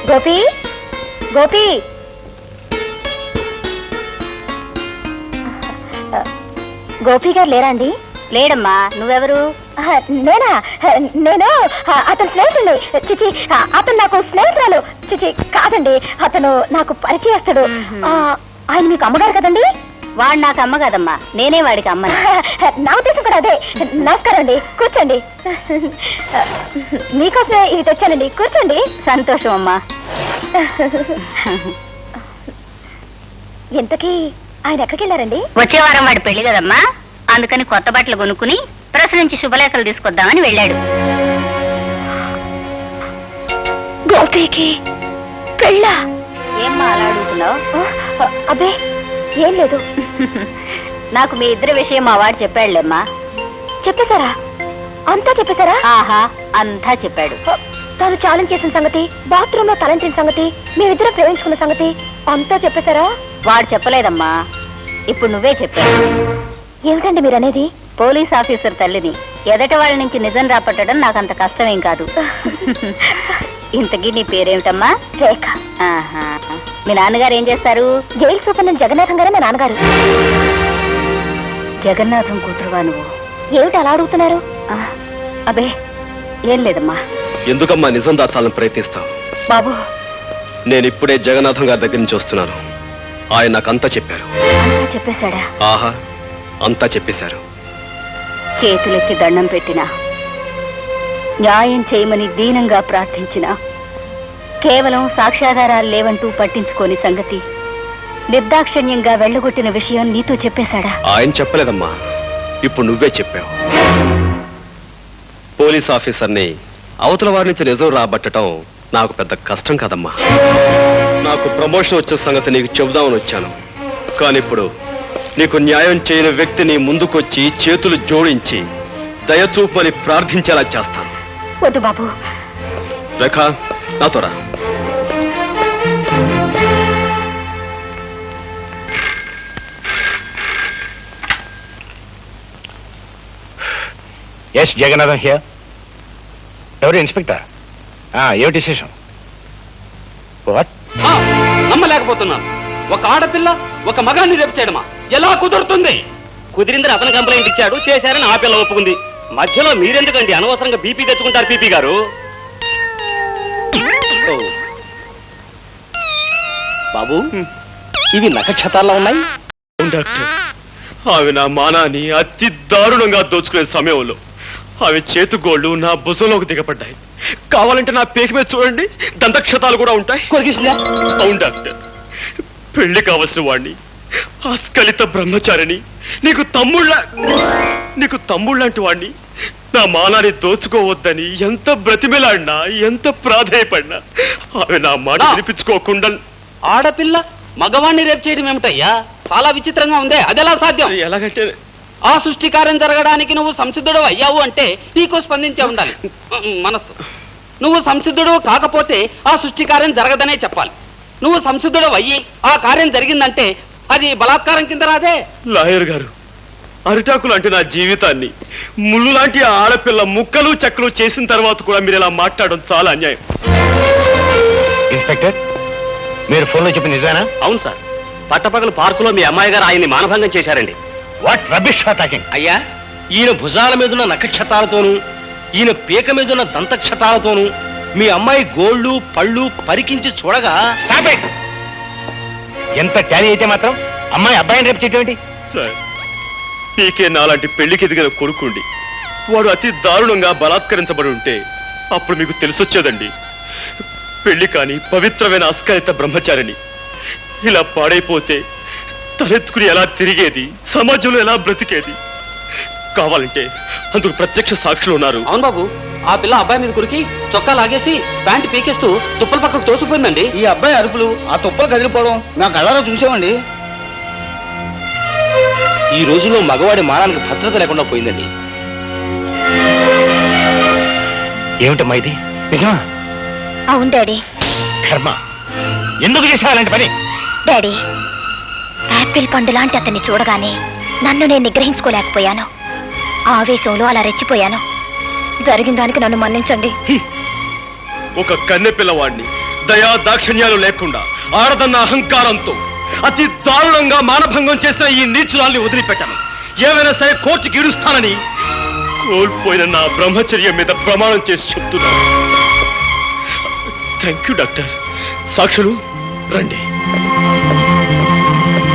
గోపి గోపి గోపి గారు లేరా అండి? లేడమ్మా. నువ్వెవరు? నేనా? నేను అతని స్నేహితుడు. చిచి, అతను నాకు స్నేహితురాలు. చిచి కాదండి, అతను నాకు పరిచయస్తుడు. ఆయన మీకు అమ్మగారు కదండి? వాడు నాకు అమ్మ కదమ్మా, నేనే వాడికి అమ్మ. నా ఉద్దేశం కూడా అదే. నమస్కారం అండి, కూర్చోండి. మీకోసమే ఇవి తెచ్చానండి, కూర్చోండి. సంతోషం అమ్మా. ఇంతకీ ఆయన ఎక్కడికి వెళ్ళారండి? వచ్చే వారం వాడి పెళ్లి కదమ్మా, అందుకని కొత్త బట్టలు కొనుక్కుని ప్రెస్ నుంచి శుభలేఖలు తీసుకొద్దామని వెళ్ళాడు. గోపికి పెళ్ళా? ఏమ్మా అలా అడుగుతున్నావు? అబ్బే ఏం లేదు. నాకు మీ ఇద్దరి విషయం మా వాడు చెప్పాడులేమ్మా. చెప్పేశారా? అంతా చెప్పేశారా? ఆహా, అంతా చెప్పాడు. తాను ఛాలెంజ్ చేసిన సంగతి, బాత్రూమ్ లో తలంచిన సంగతి, మేమిద్దరం ప్రేమించుకున్న సంగతి అంతా చెప్పేశారా? వాడు చెప్పలేదమ్మా, ఇప్పుడు నువ్వే చెప్పావు. ఏమిటండి మీరనేది? పోలీస్ ఆఫీసర్ తల్లిని ఎదటి వాళ్ళ నుంచి నిజం రాపట్టడం నాకంత కష్టమేం కాదు. ఇంతకీ నీ పేరేమిటమ్మా? రేఖ. ఆహా, మీ నాన్నగారు ఏం చేస్తారు? జైలు సూపరింటెండెంట్ జగన్నాథం గారే మా నాన్నగారు. జగన్నాథం కూతురువా నువ్వు? ఏమిటి అలా అడుగుతున్నారు? అబే ఏం లేదమ్మా. ఎందుకమ్మా నిజం దాచాలని ప్రయత్నిస్తావు? బాబు, నేను ఇప్పుడే జగన్నాథం గారి దగ్గర నుంచి వస్తున్నాను. ఆయన నాకంతా చెప్పారు. అంతా చెప్పేశాడా? ఆహా, అంతా చెప్పేశారు. చేతులెత్తి దండం పెట్టినా, న్యాయం చేయమని దీనంగా ప్రార్థించినా కేవలం సాక్ష్యాధారాలు లేవంటూ పట్టించుకోని సంగతి, నిర్దాక్షిణ్యంగా వెళ్ళగొట్టిన విషయం నీతో చెప్పేశాడా? ఆయన చెప్పలేదమ్మా, ఇప్పుడు నువ్వే చెప్పావు. పోలీస్ ఆఫీసర్ని అవతల వారి నుంచి నిజం రాబట్టడం నాకు పెద్ద కష్టం కాదమ్మా. నాకు ప్రమోషన్ వచ్చే సంగతి నీకు చెబుదామని వచ్చాను. కానీ ఇప్పుడు నీకు న్యాయం చేయని వ్యక్తిని ముందుకొచ్చి చేతులు జోడించి దయచూపని ప్రార్థించేలా చేస్తాను. వద్దు బాబు. రేఖ, నాతో రా. Yes Jagannatham here. ఎవరు ఇన్స్పెక్టర్? ఏమిటి విశేషం? నమ్మలేకపోతున్నాను. ఒక ఆడపిల్ల ఒక మగాన్ని రేపు చేయడమా? ఎలా కుదురుతుంది? కుదిరిందని అతను కంప్లైంట్ ఇచ్చాడు, చేశారని ఆ పిల్ల ఒప్పుకుంది. మధ్యలో మీరెందుకండి అనవసరంగా బీపీ తెచ్చుకుంటారు? పీపీ గారు, బాబు ఇవి నక్షత్రాల్లో ఉన్నాయి. డాక్టర్, అవి నా మానాన్ని అతి దారుణంగా దోచుకునే సమయంలో అవి చేతుగోళ్లు నా భుజంలోకి దిగపడ్డాయి. కావాలంటే నా పేకి మీద చూడండి, దంతక్షతాలు కూడా ఉంటాయి. కొరికిసిందా? అవును డాక్టర్, పెళ్లి కావలసిన వాణ్ణి, ఆస్కలిత బ్రహ్మచారిని, నీకు తమ్ముళ్ళంటి వాణ్ణి నా మానాన్ని దోచుకోవద్దని ఎంత బ్రతిమిలాడినా, ఎంత ప్రాధేయపడినా అవి నా మాట వినిపించుకోకుండా. ఆడపిల్ల మగవాణ్ణి రేపు చేయడం ఏమిటయ్యా? చాలా విచిత్రంగా ఉందే. అదెలా సాధ్యం? ఎలాగంటే ఆ సృష్టికార్యం జరగడానికి నువ్వు సంసిద్ధుడు అయ్యావు అంటే నీకు స్పందించే ఉండాలి మనస్సు. నువ్వు సంసిద్ధుడు కాకపోతే ఆ సృష్టికార్యం జరగదనే చెప్పాలి. నువ్వు సంసిద్ధుడు అయ్యి ఆ కార్యం జరిగిందంటే అది బలాత్కారం కింద రాదే. లాయర్ గారు, అరిటాకులు అంటే నా జీవితాన్ని ముళ్ళు లాంటి ఆడపిల్ల ముక్కలు చెక్కలు చేసిన తర్వాత కూడా మీరు ఇలా మాట్లాడడం చాలా అన్యాయం. ఇన్స్పెక్టర్, మీరు ఫోన్లో చెప్పిన నిజానా? అవును సార్, పట్టపగలు పార్కులో మీ అమ్మాయి గారు ఆయన్ని మానభంగం చేశారండి. What rubbish talking? అయ్యా, ఈయన భుజాల మీదున్న నక్షత్రాలతోనూ ఈయన పీక మీదున్న దంతక్షతాలతోనూ మీ అమ్మాయి గోళ్లు పళ్ళు పరికించి చూడగా ఎంత ట్యాలీ అయితే మాత్రం అమ్మాయి అబ్బాయిని రేపు చేయటం సార్, పీకే నాలాంటి పెళ్లికి ఎదిగిన కొడుకుండి వాడు అతి దారుణంగా బలాత్కరించబడి ఉంటే అప్పుడు మీకు తెలిసొచ్చేదండి. పెళ్లి కాని పవిత్రమైన అస్కలిత బ్రహ్మచారిని ఇలా పాడైపోతే తలెత్తుకుని ఎలా తిరిగేది, సమాజంలో ఎలా బ్రతికేది? కావాలంటే అందుకు ప్రత్యక్ష సాక్షులు ఉన్నారు. అవును బాబు, ఆ పిల్ల అబ్బాయి మీద కురికి చొక్కా లాగేసి ప్యాంటు పీకేస్తూ తుప్పల పక్కకు తోసిపోయిందండి. ఈ అబ్బాయి అరుపులు, ఆ తుప్పలు కదిలిపోవడం నా కళ్ళారా చూసామండి. ఈ రోజుల్లో మగవాడి మానానికి భద్రత లేకుండా పోయిందండి. ఏమిటమ్మా ఇది? నిజమా? అవును డాడీ. కర్మ, ఎందుకు చేసావు అలాంటి పని? డాడీ, యాపిల్ పండు లాంటి అతన్ని చూడగానే నన్ను నేను నిగ్రహించుకోలేకపోయాను. ఆవేశంలో అలా రెచ్చిపోయాను. జరిగిన దానికి నన్ను మన్నించండి. ఒక కన్నె పిల్లవాడిని దయా దాక్షిణ్యాలు లేకుండా ఆడదన్న అహంకారంతో అతి దారుణంగా మానభంగం చేసిన ఈ నీచురాల్ని వదిలిపెట్టాను. ఏమైనా సరే కోర్టుకి ఇడుస్తానని కోల్పోయిన నా బ్రహ్మచర్యం మీద ప్రమాణం చేసి చెప్తున్నాను. Thank you doctor. సాక్షులు రండి.